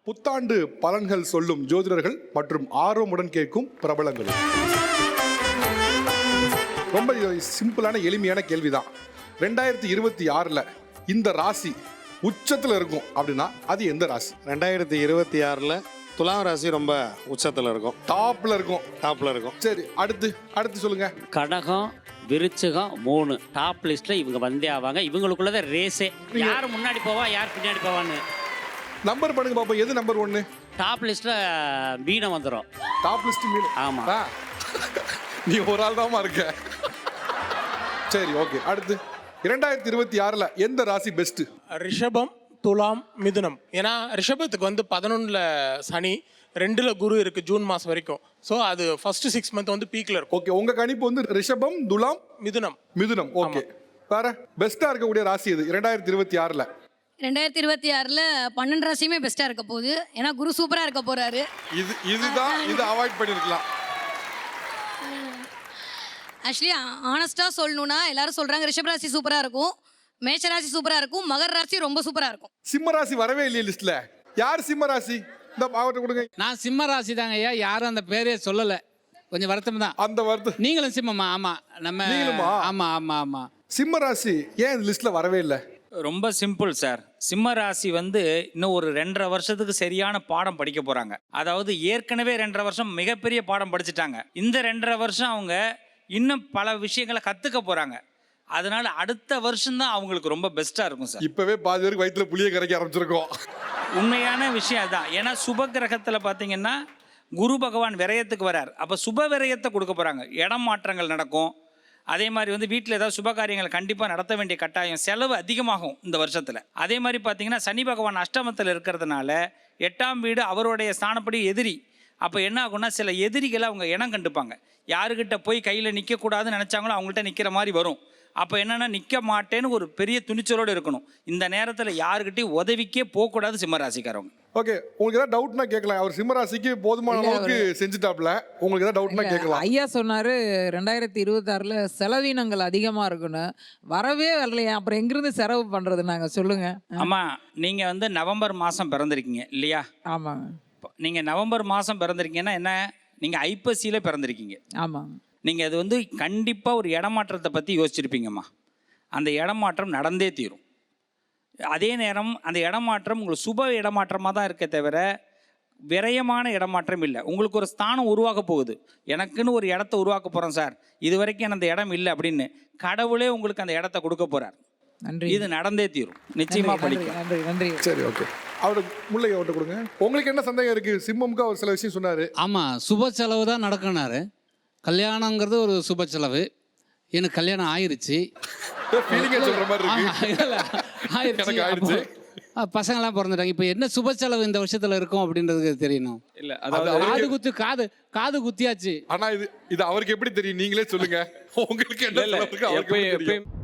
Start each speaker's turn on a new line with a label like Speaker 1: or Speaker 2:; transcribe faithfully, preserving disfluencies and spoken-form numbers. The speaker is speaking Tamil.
Speaker 1: புத்தாண்டு பலன்கள் சொல்லும் ஜோதிடர்கள் மற்றும் ஆர்வமுடன் கேட்கும் பிரபலங்கள். ரொம்ப சிம்பிளான எளிமையான கேள்விதான். ரெண்டாயிரத்தி இருபத்தி ஆறுல இந்த ராசி உச்சத்துல இருக்கும் அப்படின்னா அது எந்த ராசி?
Speaker 2: ரெண்டாயிரத்தி இருபத்தி ஆறுல துலாம் ராசி ரொம்ப உச்சத்துல இருக்கும்,
Speaker 1: டாப்ல இருக்கும்.
Speaker 2: டாப்ல இருக்கும்.
Speaker 1: சரி, அடுத்து அடுத்து சொல்லுங்க.
Speaker 3: கடகம், விருச்சிகம் மூணு டாப் லிஸ்ட்ல இவங்க வந்தே ஆவாங்க. இவங்களுக்குள்ளதான் ரேஸே, யார் முன்னாடி போவா யார் பின்னாடி போவான்னு.
Speaker 1: நம்பர் பண்ணுங்க பாப்போம், எது நம்பர் ஒன்னு?
Speaker 3: டாப் லிஸ்ட்ல மீனம் வந்துடும்.
Speaker 1: டாப் லிஸ்ட் மீன்.
Speaker 3: ஆமா,
Speaker 1: நீ ஒரு ஆள் தாமா இருக்க. சரி, ஓகே. அடுத்து இரண்டாயிரத்தி இருபத்தி ஆறுல எந்த ராசி பெஸ்ட்?
Speaker 4: ரிஷபம், துலாம், மிதுனம். ஏன்னா ரிஷபத்துக்கு வந்து பதினொன்னுல சனி, ரெண்டுல குரு இருக்கு ஜூன் மாசம் வரைக்கும். ஸோ அது ஃபர்ஸ்ட் சிக்ஸ் மந்த் வந்து பீக்ல இருக்கும்.
Speaker 1: ஓகே, உங்க கணிப்பு வந்து ரிஷபம், துலாம்,
Speaker 4: மிதுனம்.
Speaker 1: மிதுனம். ஓகே, வேற பெஸ்டா இருக்கக்கூடிய ராசி இது இரண்டாயிரத்தி இருபத்தி ஆறுல?
Speaker 5: ரெண்டாயிரத்தி இருபத்தி ஆறுல பன்னெண்டு ராசியுமே பெஸ்டா இருக்க போகுது. ஏன்னா குரு சூப்பரா இருக்க போறாரு.
Speaker 1: இது இதுதான் இது அவாய்ட் பண்ணிருக்கலாம்.
Speaker 5: ஆக்சுவலி ஆனஸ்டா சொல்லணும்னா எல்லாரும் சொல்றாங்க ரிஷப ராசி சூப்பரா இருக்கும், மேஷ ராசி சூப்பரா இருக்கும், மகர ராசி ரொம்ப சூப்பரா இருக்கும்.
Speaker 1: சிம்ம ராசி வரவே இல்லையே லிஸ்ட்ல. யார் சிம்ம ராசி? இந்த பாவத்தை கொடுங்க.
Speaker 6: நான் சிம்ம ராசி தாங்க ஐயா, யாரும் அந்த பேரே சொல்லல. கொஞ்சம் வருத்தம் தான்.
Speaker 1: அந்த வருத்தம்.
Speaker 6: நீங்களும் சிம்மமா? ஆமா, நம்ம
Speaker 1: நீங்களுமா?
Speaker 6: ஆமா ஆமா ஆமா.
Speaker 1: சிம்ம ராசி ஏன் இந்த லிஸ்ட்ல வரவே இல்லை?
Speaker 7: ரொம்ப சிம்பிள் சார். சிம்ம ராசி வந்து இன்னும் ஒரு ரெண்டரை வருஷத்துக்கு சரியான பாடம் படிக்க போறாங்க. அதாவது ஏற்கனவே ரெண்டரை வருஷம் மிகப்பெரிய பாடம் படிச்சுட்டாங்க. இந்த ரெண்டரை வருஷம் அவங்க இன்னும் பல விஷயங்களை கத்துக்க போறாங்க. அதனால அடுத்த வருஷம் தான் அவங்களுக்கு ரொம்ப பெஸ்டா இருக்கும் சார்.
Speaker 1: இப்பவே பாதி பேருக்கு வயிற்றுல புளிய கரைக்க ஆரம்பிச்சிருக்கோம்.
Speaker 7: உண்மையான விஷயம் அதுதான். ஏன்னா சுப கிரகத்துல பாத்தீங்கன்னா குரு பகவான் விரயத்துக்கு வரார். அப்ப சுப விரயத்தை கொடுக்க போறாங்க. இடம் மாற்றங்கள் நடக்கும். அதே மாதிரி வந்து வீட்டில் ஏதாவது சுப காரியங்கள் கண்டிப்பாக நடத்த வேண்டிய கட்டாயம், செலவு அதிகமாகும் இந்த வருஷத்தில். அதே மாதிரி பார்த்தீங்கன்னா சனி பகவான் அஷ்டமத்தில் இருக்கிறதுனால எட்டாம் வீடு அவருடைய ஸ்தானப்படி எதிரி. அப்போ என்ன ஆகும்னா சில எதிரிகளை அவங்க இனம் கண்டுப்பாங்க. யாருக்கிட்ட போய் கையில் நிற்கக்கூடாதுன்னு நினச்சாங்களோ அவங்கள்ட்ட நிற்கிற மாதிரி வரும். அப்போ என்னென்னா நிற்க மாட்டேன்னு ஒரு பெரிய துணிச்சலோடு இருக்கணும். இந்த நேரத்தில் யாருக்கிட்டையும் உதவிக்கே போகக்கூடாது சிம்மராசிக்காரவங்க.
Speaker 1: ஓகே, உங்களுக்கு ஏதாவது டவுட்னா கேட்கலாம். அவர் சிம்மராசிக்கு போதுமான அளவுக்கு செஞ்சுட்டாப்ல. உங்களுக்கு ஏதாவது டவுட்னா கேட்கலாம்.
Speaker 8: ஐயா சொன்னாரு ரெண்டாயிரத்தி இருபத்தி ஆறுல செலவினங்கள் அதிகமா இருக்குன்னு. வரவே வரலையா, அப்புறம் எங்கிருந்து செலவு பண்றது? நாங்க சொல்லுங்க.
Speaker 7: ஆமா, நீங்க வந்து நவம்பர் மாசம் பிறந்திருக்கீங்க இல்லையா?
Speaker 8: ஆமாங்க.
Speaker 7: நீங்க நவம்பர் மாசம் பிறந்திருக்கீங்கன்னா என்ன, நீங்க ஐப்பசியில பிறந்திருக்கீங்க.
Speaker 8: ஆமாங்க.
Speaker 7: நீங்கள் அது வந்து கண்டிப்பாக ஒரு இடமாற்றத்தை பற்றி யோசிச்சிருப்பீங்கம்மா. அந்த இடமாற்றம் நடந்தே தீரும். அதே நேரம் அந்த இடமாற்றம் உங்களுக்கு சுப இடமாற்றமாக தான் இருக்க தவிர விரயமான இடமாற்றம் இல்லை. உங்களுக்கு ஒரு ஸ்தானம் உருவாக்க போகுது. எனக்குன்னு ஒரு இடத்த உருவாக்க போகிறேன் சார், இது வரைக்கும் அந்த இடம் இல்லை அப்படின்னு கடவுளே உங்களுக்கு அந்த இடத்த கொடுக்க போகிறார்.
Speaker 8: நன்றி.
Speaker 7: இது நடந்தே தீரும், நிச்சயமா படிக்கும்.
Speaker 8: நன்றி நன்றி.
Speaker 1: சரி, ஓகே. அவரு முல்லை அவர்கிட்ட கொடுங்க. உங்களுக்கு என்ன சந்தேகம் இருக்கு? சிம்மமுக்கு அவர் சில விஷயம் சொன்னாரு.
Speaker 6: ஆமா, சுப செலவு தான் நடக்கினாரு. கல்யாணங்கிறது ஒரு சுப செலவு. எனக்கு கல்யாணம் ஆயிருச்சு.
Speaker 1: சொல்ற மாதிரி
Speaker 6: ஆயிருச்சு. பசங்களாம் பிறந்துட்டாங்க. இப்போ என்ன சுப செலவு இந்த வருஷத்துல இருக்கும் அப்படின்றது தெரியணும். இல்ல, காது குத்து காது காது குத்தியாச்சு.
Speaker 1: ஆனா இது இது அவருக்கு எப்படி தெரியும்? நீங்களே சொல்லுங்க. உங்களுக்கு என்ன